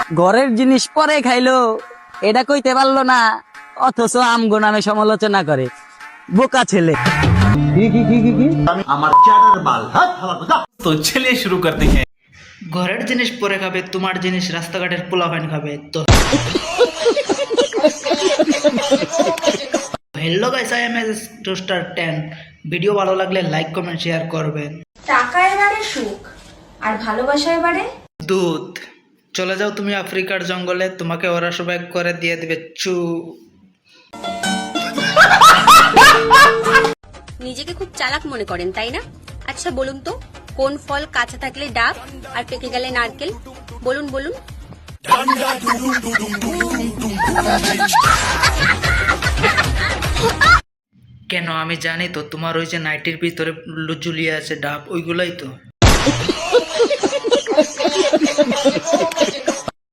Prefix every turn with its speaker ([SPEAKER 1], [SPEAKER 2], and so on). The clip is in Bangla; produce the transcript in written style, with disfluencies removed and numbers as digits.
[SPEAKER 1] ঘরের জিনিস পরে খাইলো, এটা কইতে পারলো না, অথচ আমগো নামে সমালোচনা করে। বোকা ছেলে।
[SPEAKER 2] तो चलिए शुरू करते हैं।
[SPEAKER 3] ঘরের জিনিস পরে খাবে, তোমার জিনিস রাস্তাঘাটের পোলাপান খাবে তো। Hello guys, I am S toaster 10। Video ভালো লাগলে লাইক কমেন্ট শেয়ার করবেন।
[SPEAKER 4] টাকা এবারে সুখ, আর ভালোবাসা এবারে
[SPEAKER 3] দুধ। চলে যাও তুমি আফ্রিকার জঙ্গলে, তোমাকে ওরা সবাই করে দিয়ে দিবে চু।
[SPEAKER 5] নিজেকে খুব চালাক মনে করেন তাই না? আচ্ছা বলুন তো, কোন ফল কাঁচা থাকলে ডাব আর পেকে গেলে নারকেল? বলুন বলুন।
[SPEAKER 3] কেন, আমি জানি তো তোমার ওই যে নাইটির ভিতরে ঝুলিয়ে আছে ডাব, ওইগুলাই তো।